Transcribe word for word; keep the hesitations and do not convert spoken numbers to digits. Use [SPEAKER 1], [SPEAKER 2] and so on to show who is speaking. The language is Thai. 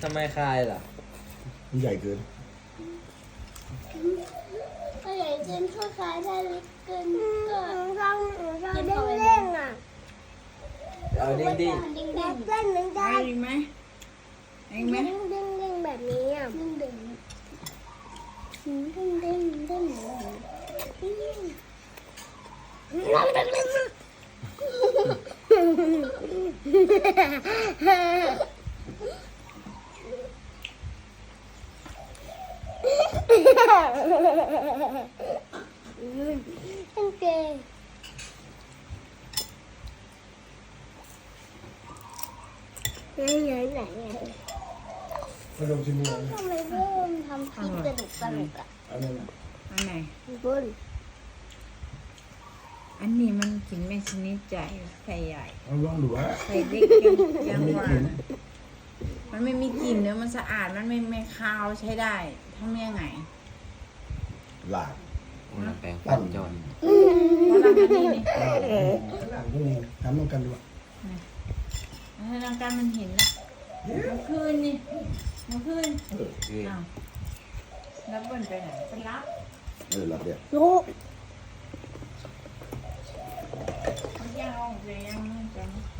[SPEAKER 1] ทำไมคายล่ะ
[SPEAKER 2] มันใหญ่เกิน
[SPEAKER 3] ถ้าใหญ่เกินถ้าคายได้เล็กเกินก็เราเราเด้งเด้งอ่ะ
[SPEAKER 1] เอาดิ้งดิ้ง
[SPEAKER 3] ดิ้งดิ้งเด้งเหมือนกั
[SPEAKER 4] ได้
[SPEAKER 3] น
[SPEAKER 4] ไหมได้ไหม
[SPEAKER 3] ดิ้งดิ้งดิ้งแบบนี้อ่ะดิ้งดิ้งดิ้งดิ้งดิ้งโอเคไหนไหนไหน
[SPEAKER 2] มาลงชิมเลย
[SPEAKER 3] ทำไมเพิ่มทำคลิปสนุกสนุกอ่ะ
[SPEAKER 2] อันนั้น
[SPEAKER 4] อันไหน
[SPEAKER 3] เพิ่ม
[SPEAKER 4] อันนี้มันกินไม่ชนิดใจไข่ใหญ่
[SPEAKER 2] เอาลองดูว่า
[SPEAKER 4] ไข่เล็กกันยังหวานมันไม่มีกลิ่นเนื้อมันสะอาดมันไม่ไม่คาวใช้ได้ทำยังไง
[SPEAKER 2] หลาด
[SPEAKER 1] แปลงฟันจน
[SPEAKER 4] เพราะเราอันนี้นี่
[SPEAKER 2] หลาดพวกนี้ทำต้องกันดูว่า
[SPEAKER 4] อันนั้นการมันเห็นละเมื่อคืนนี่เมื่อคืน
[SPEAKER 2] เออ
[SPEAKER 4] อ้าวแล้วบนไปไหนไปรับ
[SPEAKER 2] เออหลับเดียว
[SPEAKER 3] ลูก
[SPEAKER 4] เขาย่างออกไปย่างนู่นไปนี่